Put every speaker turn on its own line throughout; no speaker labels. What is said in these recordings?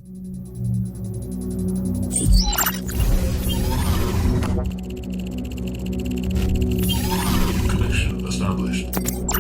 Connection established.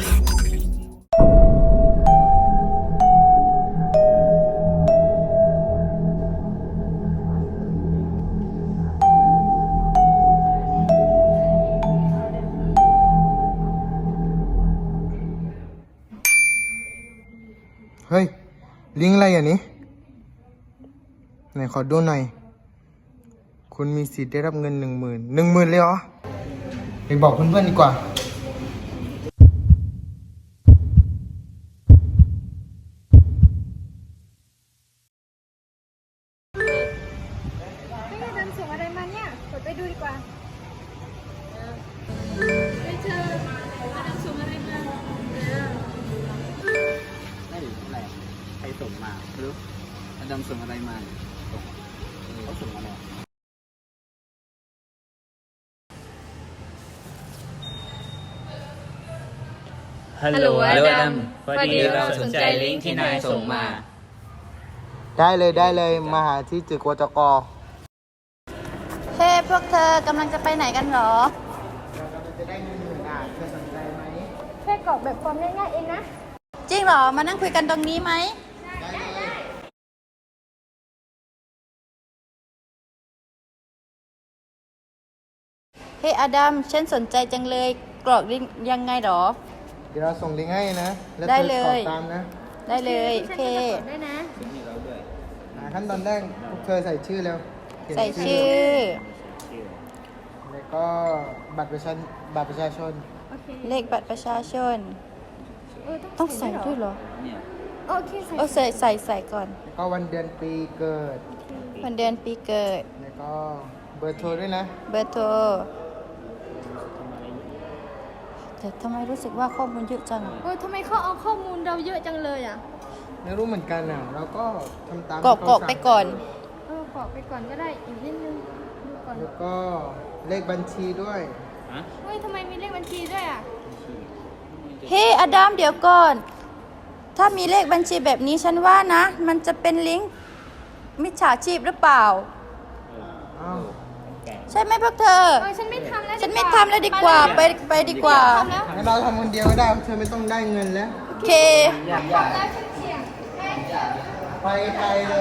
เฮ้ย ลิงก์อะไรอย่างนี้ไหนขอดูหน่อย คุณมีสิทธิ์ได้รับเงิน10,000เลยเหรอไปบอกเพื่อนๆดีกว่า
ไม่ได้ดันส่งอะไรมาเนี่ยกดไปดูดีกว่าไม่เจอมาดันส่งอะไรมา
ไม่หรืออะไรใครส่งมาไม่รู้อาจารย์ส่งอะไรมาส่งเขาส่งอะไร
ฮัลโหลอดัมพอดีเราสนใจลิงก์ที่นายส่งมา
ได้เลยมาหาที่ตึกวจก.
เฮ้ พวกเธอกำลังจะไปไหนกันหรอ
เราจะได้เงิน10,000เธอสนใจไหม
แค่กรอกแบบฟอร์มง่ายๆเองนะ
จริงเหรอ มานั่งคุยกันตรงนี้ไหม เฮ้อดัมฉันสนใจจังเลย กรอกลิงก์ยังไงหรอ
เดี๋ยวเราส่งลิงก์ให้นะ แล้ว
ได้
เธอ
เล
ตอย บตามนะ
ได้เลยโอเค
ด้วยนะ
ขั้นตอนแรกพวกเธอใส่ชื่อแล้วเขียน
ใส่ชื่อ
แล้วก็บัตรประชาชน
โอเค
เลขบัตรประชาชน ต้องใส่ด้วยเหรอ
เนี่ย
โอเคใส่
โอ้ใส่ก่อน
แล้วก็วันเดือนปีเกิด
วันเดือนปีเกิด
แล้วก็เบอร์โทรด้วยนะ
เบอร์โทร แต่ทำไมรู้สึกว่าข้อมูลเยอะจัง
ทำไมเขาเอาข้อมูลเราเยอะจังเลยอ่ะ
ไม่รู้เหมือนกันอ่ะ เราก็ทำตาม
กรอก
ที่เขาสั่ง
ไปก่อน
กรอกไปก่อนก็ได้อีกนิดนึงดูก่อน
แล้วก็เลขบัญชีด้วย
เฮ้ยทำไมมีเลขบัญชีด้วยอ่ะ
เฮ้อดัมเดี๋ยวก่อน ถ้ามีเลขบัญชีแบบนี้ฉันว่านะ มันจะเป็นลิงก์มิจฉาชีพหรือเปล่า
อ้าว
ใช่ไหมพวกเธอ
ฉันไม่ทำแล้ว
ฉันไม่ทำแล้วดีกว่า ไปดีกว่า
ทำแล้ว
งั้นเราทำคนเดียวก็ได้เธอไม่ต้องได้เงินแล้ว
โอเค
แล้วฉันเสี่ยง
ไปไกลเลย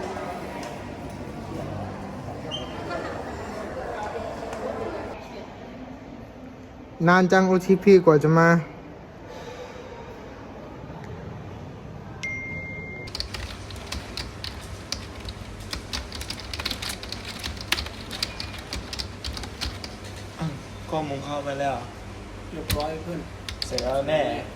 นานจัง OTP กว่าจะมา
ข้อมูลเข้าไปแล้ว
เรียบร้อยขึ้น
เสร็จแล้วแน่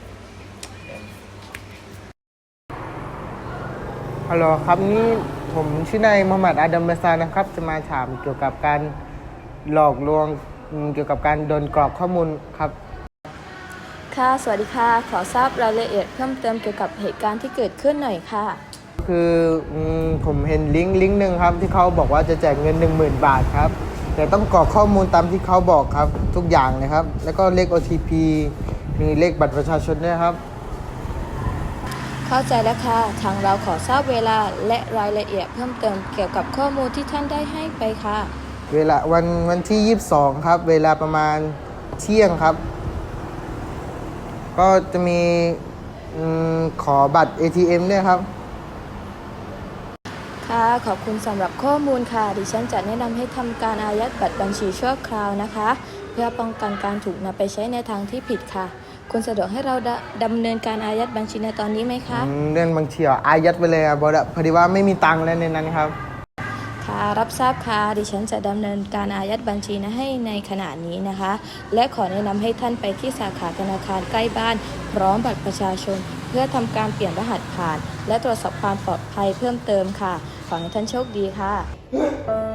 ฮัลโหลครับนี่ผมชื่อนายมูฮัมหมัดอาดัมเบซานะครับ จะมาถามเกี่ยวกับการหลอกลวงเกี่ยวกับการโดนกรอกข้อมูลครับ
ค่ะ สวัสดีค่ะ ขอทราบรายละเอียดเพิ่มเติมเกี่ยวกับเหตุการณ์ที่เกิดขึ้นหน่อยค่ะ
คือผมเห็นลิงก์หนึ่งครับ ที่เขาบอกว่าจะแจกเงิน 10,000 บาทครับ แต่ต้องกรอกข้อมูลตามที่เขาบอกครับ ทุกอย่างเลยครับ แล้วก็เลข OTP มีเลขบัตรประชาชนด้วยครับ
เข้าใจแล้วค่ะ ทางเราขอทราบเวลาและรายละเอียดเพิ่มเติมเกี่ยวกับข้อมูลที่ท่านได้ให้ไปค่ะ
เวลาวันที่ 22 ครับ เวลาประมาณเที่ยงครับ ก็จะมีขอบัตร ATM ด้วยครับ
ค่ะ ขอบคุณสำหรับข้อมูลค่ะ ดิฉันจะแนะนำให้ทำการอายัดบัตรบัญชีชั่วคราวนะคะ เพื่อป้องกันการถูกนำไปใช้ในทางที่ผิดค่ะ คุณสะดวกให้เราดำเนินการอายัดบัญชีในตอนนี้ไหมคะ
เรื่องบางทีอายัดไปเลยครับพอดีว่าไม่มีตังค์แล้วในนั้นครับ
ค่ะ รับทราบค่ะ ดิฉันจะดำเนินการอายัดบัญชีให้ในขณะนี้นะคะ และขอแนะนำให้ท่านไปที่สาขาธนาคารใกล้บ้านพร้อมบัตรประชาชน เพื่อทำการเปลี่ยนรหัสผ่าน และตรวจสอบความปลอดภัยเพิ่มเติมค่ะ ขอให้ท่านโชคดีค่ะ